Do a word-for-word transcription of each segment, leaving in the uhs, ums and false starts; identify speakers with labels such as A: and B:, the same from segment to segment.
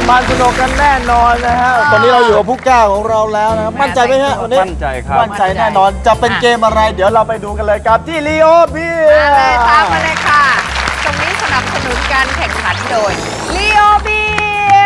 A: มันสนุกกันแน่นอนนะฮะตอนนี้เราอยู่กับผู้กล้าของเราแล้วนะครับมั่นใจไหมฮะวันนี้
B: มั่นใจครับ
A: มั่นใจแน่นอนจะเป็นเกมอะไรเดี๋ยวเราไปดูกันเลยกับที่ลีโอเบีย
C: มาเลยตามมาเลยค่ะตรงนี้สนับสนุนการแข่งขันโดยลีโอเบีย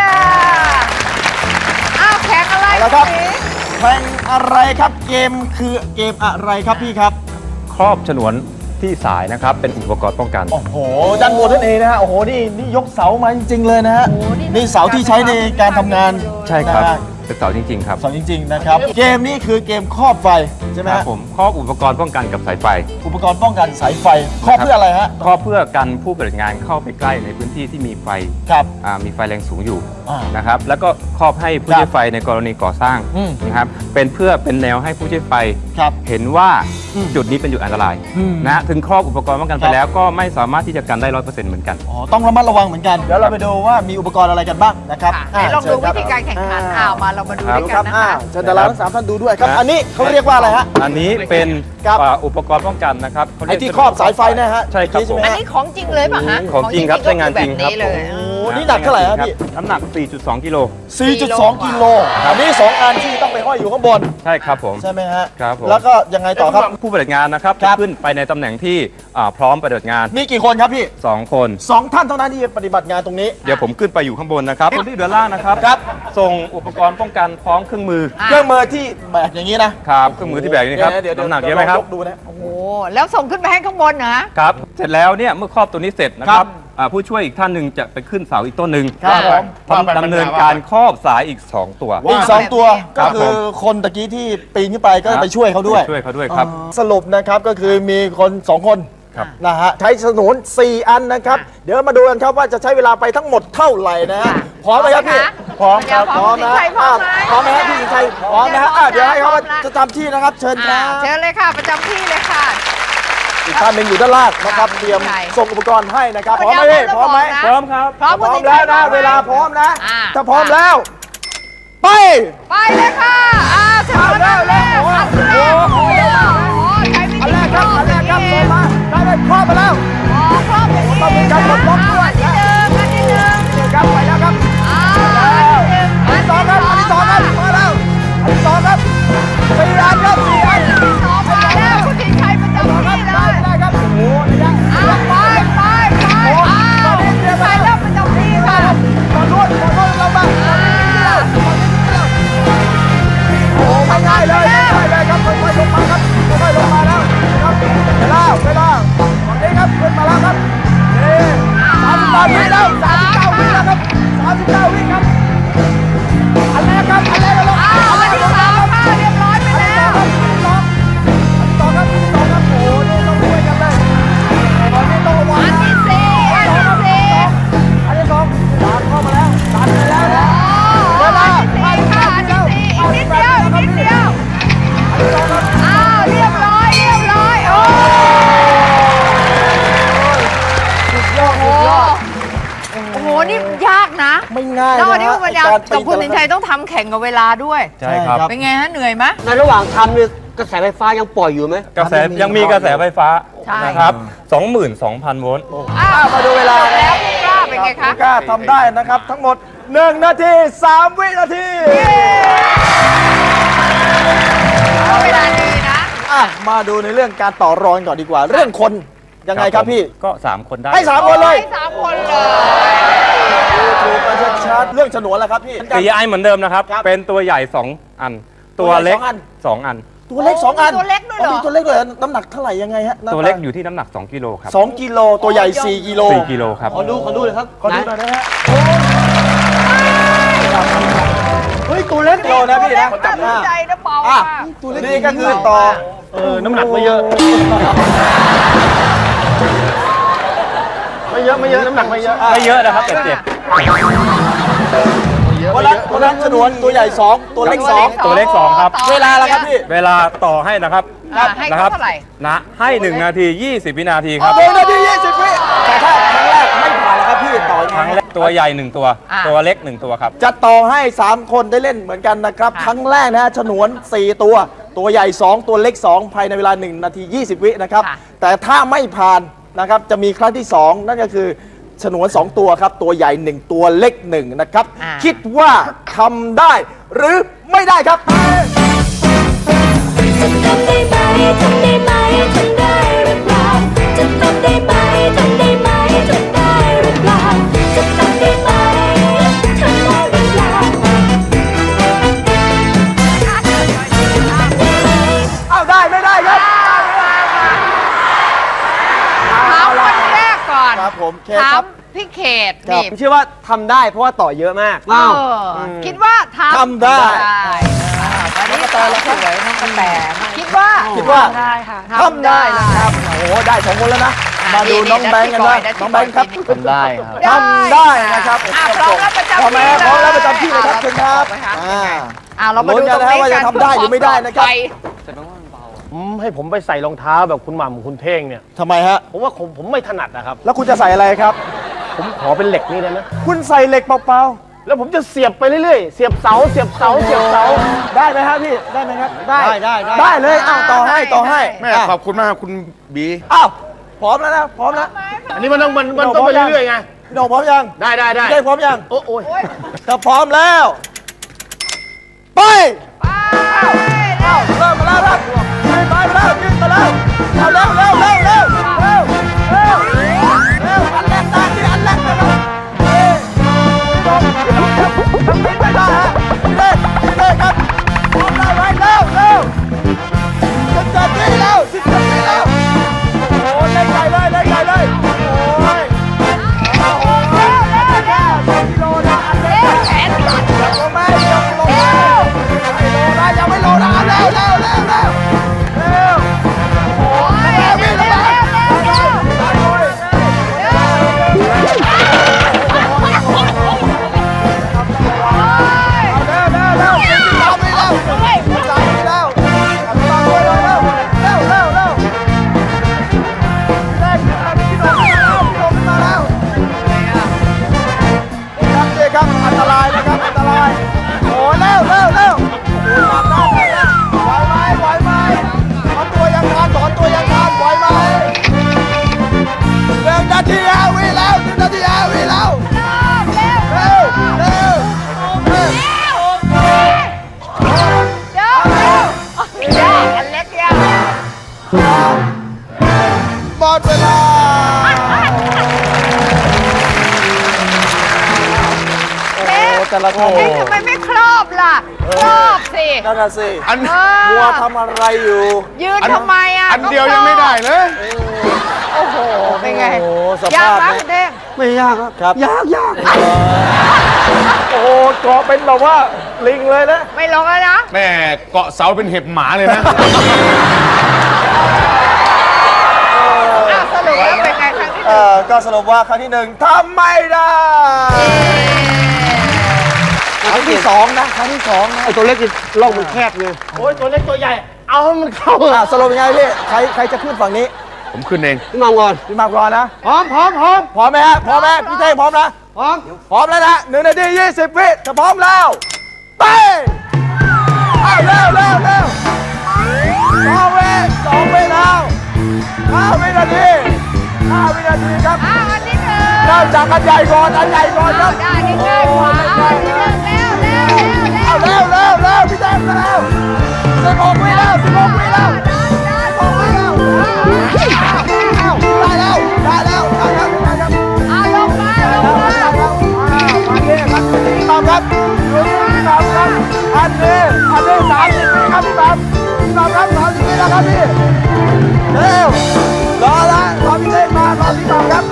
C: อ้าวแข่งอะไร
A: แล้วครับแข่งอะไรครับเกมคือเกมอะไรครับพี่ครับ
B: ครอบฉนวนที่สายนะครับเป็นอุปกรณ์ป้องกัน
A: โอ้โหด้านบนนั่นเองนะฮะโอ้โหนี่นี่ยกเสามาจริงๆเลยนะฮะนี่เสาที่ใช้ในการทำงาน
B: ใช่ครับเป็นเสาจริงๆครับ
A: เสาจริงๆนะครับเกมนี้คือเกมครอบไฟใช่ไหม
B: ครั
A: ฮะ
B: บผมครอบอุปกรณ์ป้องกันกับสายไฟ
A: อุปกรณ์ป้องกันสายไฟครอบเพื่ออะไรฮะ
B: ครอบเพื่อกันผู้ปฏิบัติงานเข้าไปใกล้ในพื้นที่ที่มีไฟ
A: ครับ
B: มีไฟแรงสูงอยู่
A: อ่าน
B: นะครับแล้วก็ครอบให้ผู้ใช้ไฟในกรณีก่อสร้าง
A: อืม
B: นะครับเป็นเพื่อเป็นแนวให้ผู้ใช้ไฟ
A: ครับ
B: เห็นว่า
A: อืม
B: จุดนี้เป็นจุดอันตราย
A: อืม
B: นะถึงครอบอุปกรณ์ป้องกัน
A: ค
B: ไป
A: รับ
B: แล้วก็ไม่สามารถที่จะกันได้ร้อยเปอร์เซ็นต์เหมือนกัน
A: อ๋อต้องระมัดระวังเหมือนกันเดี๋ยวเราไปดูว่ามีอุปกรณ์อะไรกันบ้างนะครับ
C: ค่ะไหนลองดูวิธีการแข่งขันอ้าวมาเรามาดู
B: ครับ
C: ด้วย
A: ค
C: กั
A: รั
C: น
A: บ
C: นะ
A: อ่า
C: คะ
A: เชิญดาราทั้งสามท่านดูด้วยครับ
B: ครับ
A: อันนี้เขาเรียกว่าอะไรฮะ
B: อันนี้เป็น
A: ครับ
B: อ่าอุปกรณ์ป้องกันนะครับเขาเรี
A: ไอ้
B: ยก
A: ที่ครอบสายไฟเนะฮะ
B: ใช่ครับ
A: ใช่ไหม
C: อัน
A: ฮะ
C: นี้ของจริงเลยป่ะฮะ
B: ของจริงครับใช้งานจริงครับ
C: แบบนี้เลย
A: โอ้นี่หนักเท่าไหร่ครับพี่
B: น้ำหนัก สี่จุดสอง กิโล
A: สี่จุดสอง กิโลอันนี้สองอันที่ต้องไปห้อยอยู่ข้างบน
B: ใช่ครับผม
A: ใช่ไหมฮะ
B: ครับผม
A: แล้วก็ยังไงต่อครับ
B: ผู้ปฏิบัติงานนะครับ
A: ครั
B: จะ
A: บ
B: ขึ้นไปในตำแหน่งที่อ่าพร้อมปฏิบัติงาน
A: มีกี่คนครับพี่
B: สอง คน
A: สองท่านเท่านั้นที่จะปฏิบัติงานตรงนี้
B: เดี๋ยวผมขึ้นไปอยู่ข้างบนนะครับคนที่เดือนล่างนะครับ
A: ครับ
B: ส่งอุปกรณ์ป้องกันพร้อมเครื่องมือ
C: อ่ะ
A: เครื่องมือที่แบกอย่างนี้นะครับ
B: เครื่องมือที่แบกอยู่นี่ครับ
A: เดี๋ยวๆ
B: น้ำหนักเยอะไหมครับ
A: ลงยกดูนะ
C: โอ้โหแล้วส่งขึ้นไปให้ข้างบนนะ
B: ครับเสร็จแล้วเนี่ยเมื่อครอบตัวนี้เสร็จนะค
A: ครั
B: รับบ อ่าผู้ช่วยอีกท่านหนึ่งจะไปขึ้นเสาอีกต้นหนึ่ง
A: ครับผม
B: ทำดำเนินการครอบสายอีกสองตัว
A: อีกสองตัว
B: ครั
A: ก็
B: บ
A: คือคนตะกี้ที่ปีนขึ้นไปก็
B: ครับ
A: ไปช่วยเขาด้วย
B: ช่วยเขาด้วยครับ
A: อ๋อสรุปนะครับก็คือมีคนสองคน
B: ครับ
A: นะฮะใช้ฉนวนสี่อันนะครับ
C: ค่ะ
A: เดี๋ยวมาดูกันครับว่าจะใช้เวลาไปทั้งหมดเท่าไหร่นะฮะ
C: ค่ะ
A: พร้อมไหมครับพี่
C: พร้อมไหมคะ
A: พร้อมนะ
C: พร้อมไหม
A: พร้อมไหมฮะพี่สิงชัยพร้อมนะฮะอ่ะเดี๋ยวให้เขาจะทำที่นะครับ เชิญค
C: อ่า
A: รับ
C: เชิญเลยค่ะประจำที่เลยค่ะ
A: อีกท่านหนึ่งอยู่ด้านล่างนะครับ
C: ค่ะ
A: เตรียม
C: ใช่
A: ส่งอุปกรณ์ให้นะครับพ
C: พ
A: ร้อ
C: ร้
A: ม
C: อ
A: ไหม
C: ม
A: พี่พร้อมไหม
C: นะ
B: พร้อมครับ
C: พร้อม
A: พร้อม
C: คุณ
A: แล้ว
C: สิงชั
A: นะ
C: ย
A: เวลาพร้อมนะ
C: อ่า
A: ถ้าพร้อมแล้ว ไป
C: ไปเลยค่ะอ่าเชิญ
A: เอาแล้ว
C: เลย
A: แล้ว
C: อันแรก
A: โอ้
C: โอ้
A: โห
C: โหใช้วิ
A: อัน
C: ธี
A: แรกครับอันแรกครับ
C: เอ
A: เปิ
C: ง
A: ดมาได้เลยครอบมาแล้ว
C: อ๋อครอบอย่างนี้
A: ต้องมีการปลดล็อกด้วย
C: อันที่หนึ่งอันที่หนึ่ง
A: นี่ครับไปแล้วครับ
C: อ่า
A: อันที่สองครับอันที่สองครับมาแล้วอันที่สองครับสี่อันครับสี่อัน
C: อันที่สองมาแล้วคุณสิงชัยประจำที่เล
A: ได้
C: ย
A: ได้ครับโอ้โหระยะ
C: อ่าไปไปไปอ้าวคุณสิงชัยเริ่มประจำที่ค่ะ
A: ตอนนู้นตอนนู้นเราบ้าง
C: อ่า
A: โอ้ไม่ง่ายเลยไม่ง่ายเลยครับค่อยๆลงมาครับค่อยๆลงมาแล้วครับเวลาเวลาตอนนี้ครับขึ้นมาแล้วครับนี่สามสิบแปดวิแล้วสามสิบเก้าวิแล้วครับสามสิบเก้าวิครับอันแรกครับอันแรกเราลง
C: อ้าวอันที่สามค่ะเรียบร้อยไปแล้ว
A: อันที่สองครับอันที่สองครับโอ้โหนี่ต้องช่วยกันเลยตอนนี้ต้องระวัง
C: อัน
A: นะ
C: ที่สี่อันที่สี่
A: อันที่สองตามเข้ามาแล้วตามไปแล้วนะ
C: โอ้อันที่สี่ค่ะอันที่สี่อีกนิดเดียวอีกนิดเดียวอ้าวเรียบร้อยเรียบร้อยโอ้
A: สุดยอด
C: โห
A: สุดยอด
C: โอ้โหนี่ยากนะ
A: ไม่ง่าย
C: แล้ว
A: นะ
C: วันนี้คุณปัญญา
A: การ
C: กับคุณ
A: ปี
C: สินชัยต้องทำแข่งกับเวลาด้วย
B: ใช่ครับ
C: เป็นไงฮะเหนื่อยไหม
D: ในระหว่างทำเนี่ยกระแสไฟฟ้ายังปล่อยอยู่ไหม
B: กระแสยังมีกระแสไฟฟ้า
C: ใช่
B: นะครับ สองหมื่นสองพัน โวลต์
C: อ้าว
A: มาดูเวลา
C: แล้วคุณกล้าเป็นไงคะ
A: ณกล้าทำได้นะครับ ทั้งหมดหนึ่งนาทีสามวินาที
C: เวลาดีนะ
A: อ่ะมาดูในเรื่องการต่อรองก่อนดีกว่า เรื่องคนยังไงครับพี่
B: ก็ สาม คนได้
A: ให้สามคนเลย
C: ให้สามคนเลย
A: ถูกกันชัดๆเรื่องฉนวนแล้วครับพี่
B: ตีไอเหมือนเดิมนะครับ
A: ครับ
B: เป็นตัวใหญ่ สอง อัน ตัวเล็ก
A: ตัวใหญ่สองอัน
B: สอง อัน
A: ตัวเล็กสองอัน
C: ตัวเล็กด้วยเหรอ
A: มีตัวเล็กเลยน้ำหนักเท่าไหร่ยังไงฮะหน้า
B: ตัวเล็กอยู่ที่น้ำหนัก สอง กิโลครับ
A: สองกิโลตัวใหญ่สี่กิโล
B: สี่ กิโลครับ
D: ขอดู ขอดูเลยครับ
A: ขอดูหน่อยนะฮะ
D: เฮ้ย ตัวเล็ก
A: กิโลนะพี่นะ
C: จับใจนะเปล่า
A: อ่ะ
C: ค่ะ
A: นี่ก็คือต่อเออน้ำหนักไม่เยอะ ไม่เยอะไม่เยอะน้ำหนักไม่เยอะ
B: ไม่เยอะนะครับแต่เจ็บ
A: วันนั้นวันนั้นฉนวนตัวใหญ่สองตัวเล็กสอง
B: ตัวเล็กสองครับ
A: เวลาละครับพี่
B: เวลาต่อให้นะครับ
C: อ่าให้
B: นะค
C: เขา
B: รับ
C: เท่าไหร่
B: นะให้หนึ่งนาทียี่สิบ วินาทีครับ
A: หนึ่งนาทียี่สิบวิแต่ถ้าครั้งแรกไม่ผ่านแล้วครับพี่ต่อยัง
B: ครั้ง
A: ไง
B: แรกตัวใหญ่หนึ่งตัว
C: อ่า
B: ตัวเล็กหนึ่งตัวครับ
A: จะต่อให้สามคนได้เล่นเหมือนกันนะครับ
C: ค่ะ
A: ครั้งแรกนะฮะฉนวนสี่ตัว ตัวใหญ่สองตัวเล็กสองภายในเวลาหนึ่งนาทียี่สิบวินะครับ
C: ค่ะ
A: แต่ถ้าไม่ผ่านนะครับจะมีครั้งที่สองนั่นก็คือฉนวนสองตัวครับ ตัวใหญ่หนึ่งตัวเล็กหนึ่งนะครับ
C: อ่า
A: คิดว่าทำได้หรือไม่ได้ครับ
E: จะทำได้ไหมทำได้ไหมทำได้หรือเปล่าจะทำได้ไหมทำได้ไหมทำได้หรือเปล่าจะทำได้ไหมทำได้หรือเปล่า
A: เอาได้ไม่ได้ครับ
C: ถามคนแรกก่อน
A: ครับผมเค
C: ถา
A: ครั
C: ม
A: บ
C: พี่เขต
A: ครับ
C: นี่
D: ผมเชื่อว่าทำได้เพราะว่าต่อเยอะมาก
C: เอออคิดว่าทำ
A: ทำได้
C: วันนี้ตาสวยน้องกระแตคิดว่า
A: คิดว่า
C: ได้ค่ะ
A: ทำได้นะครับ โอ้โห ได้สองคนแล้วนะ
C: อ่ะ
A: มาดู
C: นี่
A: น้องแบงค์กันนะ
C: ได้ที่
A: น้องแบงค์ครับ
C: ก่อน
B: ทำได้ครับ
A: ทำได้นะครับ
C: อ่ะพร้อมแล้วประจำ
A: พร้อมแล้ว
C: ที่
A: พร้อมแล้ว
C: เลย
A: ประจำที่เลยครับ
C: อ่ะ
A: เชิญครับ
C: เรา
A: อ่า
C: อ่าเรามาดู
A: ลุ้น
C: ต
A: กั
C: ร
A: น
C: ง
A: นะ
C: นี้
A: ว่าจะ
C: กัน
A: ทำได้หรือไม่ได้นะครับ
F: อืมให้ผมไปใส่รองเท้าแบบคุณหม่ำคุณเท่งเนี่ย
A: ทำไมฮะ
F: ผมว่าผมผมไม่ถนัดนะครับ
A: แล้วคุณจะใส่อะไรครับ
F: ผมขอเป็นเหล็กนี่ได้ไหม
A: คุณใส่เหล็กเปล่า
F: แล้วผมจะเสียบไปเรื่อยๆ เสียบเสา เสียบเสา เสียบเสา
A: ๆ ได้ไหมครับพี่ ได้ไหมครับ
D: ได้ได้ได้
A: ได้เลยอ้าวต่อให้ต่อให้
G: แม่ขอบคุณมากคุณบี
A: อ้าวพร้อมแล้วนะ พร้อมแล้ว
F: อันนี้มันต้องมันมันต้องไปเรื่อยๆไง
A: พี่โหน่งพร้อมยัง
F: ได้ได้ได้
A: พี่เท่งพร้อมยัง
F: โอ้โอ้ย
A: ถ้าพร้อมแล้ว ไป
C: ไปเร็ว
A: เริ่มมาแล้วครับยืนไปมาแล้วยืนมาแล้วเอาเร็วเร็วเร็วเร็วเร็วเร็วเร็วอันแรกได้ที่อันแรกนะครับเฮ้ยพี่น้องพี่น้องครับทำนี้ไม่ได้ฮะพี่เล่นพี่เล่นครับพร้อมได้ไหมเร็วเร็วสิบเจ็ดวิแล้วสิบเจ็ดวิแล้วโอ้โหเล่นใหญ่เลยเล่นใหญ่เลยโอ้ยโอ้โหเร็วเร็วเร็วสองกิโลนะอันเล็ก
C: แขนขาด
A: ยังลงไหมยังลงไหมไม่ลงนะยังไม่ลงนะเร็วเร็วเร็วเร็วเร็วโอ้ยเร็ววิ่งแล้วเร็วเร็วเร็วเร็วเร็วเร็วตามไปแล้วตามไปแล้วตามไปเลยเร็วเร็วเร็วเร็วพี่เล็กพี่น้องมาแล้วพี่น้องมาแล้วครับนี่ครับอันตรายนะครับอันตรายโอ้เร็วเร็วเร็วโอ้ยตามได้แล้วไหวไหมไหวไหมถอนตัวยังทันถอนตัวยังทันไหวไหมหนึ่งนาทีห้าวิแล้วหนึ่งนาทีห้าวิแล้วเร็วเร็วเร็ว
C: เดี๋ยวเร็วยากอันเล็กยาก
A: หมดเวลาโอ้แต่ละคน
C: เอ๊ะทำไมไม่ครอบล่ะ ครอบสิ
A: นั่นน่ะสิ
G: อัน
C: เออ
A: มัวทำอะไรอยู่
C: ยืนทำไมอ่ะ
G: อันเดียวยังไม่ได้เลย
C: โอ้โห เป็นไง
A: โอ้โหส
C: ยาก
A: ภาพ
C: นะ
A: นี้
C: คุณเด้ง
D: ไม่ยากครับ
A: ครับ
D: ยากยาก
F: โอ้โหเกาะเป็นแบบว่าลิงเลยนะ
C: ไม่ลงแล้วนะ
G: แม่เกาะเสาเป็นเห็บหมาเลยนะ
C: อ้าวสรุปแล้วเป็นไงครั้งที่ห
A: เอ่
C: นึ่ง
A: อก็สรุปว่าครั้งที่หนึ่งทำไม่ได้ครั้งที่สองนะครั้งที่สองนะ
D: ไอตัวเล็กนี่ร่องมันแคบไง
F: โอ้ยตัวเล็กตัวใหญ่ เอาให้มันเข้า
A: อ่ะสรุปยังไงพี่ใครใครจะขึ้นฝั่งนี้
G: ผมขึ้นเอง
D: พี่มองก่อน
A: พี่มากรอนะ
D: พร้อมพร้อมพร้อม
A: พร้อมไหมฮะพร้อมไหมพี่เท่งพร้อมนะ
D: พร้อม
A: พร้อมแล้วนะหนึ่งนาทียี่สิบวิถ้าพร้อมแล้วไปเอาเร็วเร็วเร็วสองวิสองวิแล้วห้าวินาทีห้าวินาทีครับ
C: อ้าวอันที่หนึ่ง
A: เริ่มจากอันใหญ่ก่อนอันใหญ่ก่อนครับ
C: ได้นี่ง่ายกว่าเอาอันที่หนึ่งเร็วเร็วเร็วเร็ว
A: เอาเร็วเร็วเร็วพี่แดงเร็วสิบหกวิแล้วสิบหกวิแล้วสิบหกวิแล้วเอาได้แล้วได้แล้วได้แล้วได้แล้ว
C: เอาลงมาลงมา
A: มาเนี่ยครับพี่ตามครับพี่ตามครับอันนี้อันนี้สามสิบวิครับพี่ตามพี่ตามครับสามสิบวิแล้วครับพี่เร็วรอละรอพี่เต้มารอพี่ตามครับ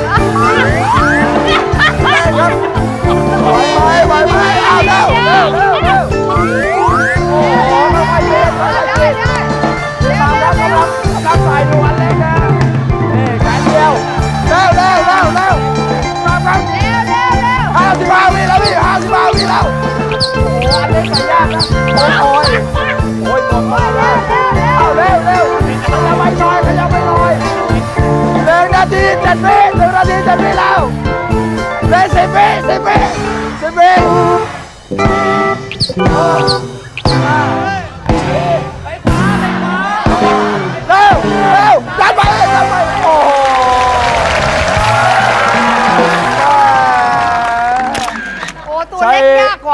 A: เต้ครับไหวไหมไหวไหมเอาเร็วเร็วเร็วเร็วโอ้โหไม่ไหวเย็นไม่ไหว
C: ได้
A: เย็น
C: ได้
A: พี่ตามครับกำลังกำลังใส่ดูอันเล็กนะนี่แขนเดียวเร็วเร็วเร็วเร็วตามครับ
C: เร็วเร็วเร็ว
A: ห้าสิบห้าวิแล้วพี่ห้าสิบห้าวิแล้วโอ้โหอันนี้ใส่ยากนะโอ้ยโอ้ยหมดมาแล้วเอาเร็วเร็วขยับไปหน่อยขยับไปหน่อยหนึ่งนาทีเจ็ดวิหนึ่งนาทีเจ็ดวิแล้วเหลยสิบวิสิบวิสิบวิเร็วเร็วดันไปดันไปโอ้โห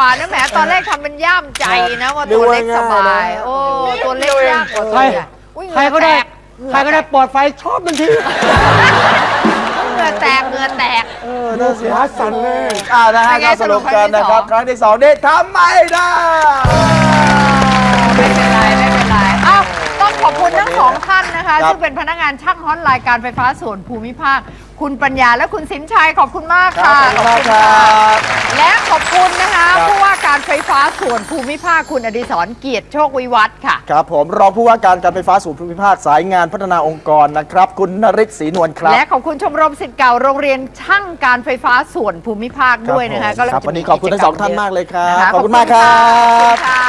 C: นะแหมตอนแรกทำเป็นย่ามใจนะว่าตัวเล็กสบายโอ้ตัวเล็กยากกว่าตัวใหญ่อุ๊ย
D: ใครก็ได้ ใครก็ได้ปลอดไฟชอบมันที
C: เหงื่อแตกเหงื่อแตก
A: เออน่าเสีย
D: ขาสั่นเลย
A: อ่านะฮะ
C: เป็นไง
A: ก็สรุปกันนะครับ
C: สรุป
A: ครั้งที่สองนี่ทำไม่ได้
C: ไม่เป็นไรไม่เป็นไรอ้าวต้องขอบคุณทั้งสองท่านนะคะ
A: ครับ
C: ซึ่งเป็นพนักงานช่างฮอตไลน์การไฟฟ้าส่วนภูมิภาคคุณปัญญาและคุณสินชัยขอบคุณมาก
A: ครั
C: ค่ะ
A: บขอบคุณมากครับ
C: และขอบคุณนะคะ
A: ครับ
C: ผู้ว่าการไฟฟ้าส่วนภูมิภาคคุณอดิศรเกียรติโชควิวัฒน์ค่ะ
A: ครับผมรองผู้ว่าการการไฟฟ้าส่วนภูมิภาคสายงานพัฒนาองค์กรนะครับ คุณนฤทธิ์ศรีนวลครับ
C: และขอบคุณชมรมศิษย์เก่าโรงเรียนช่างการไฟฟ้าส่วนภูมิภาคด้วยนะคะ
A: ครับผม
C: ก็เลย
A: ครับ
C: จะ
A: วันนี้ขอบคุณทั้งสองท่านมากเลยครับ
C: นะะ
A: ขอบคุณมากครับ
C: ขอบคุณค่ะ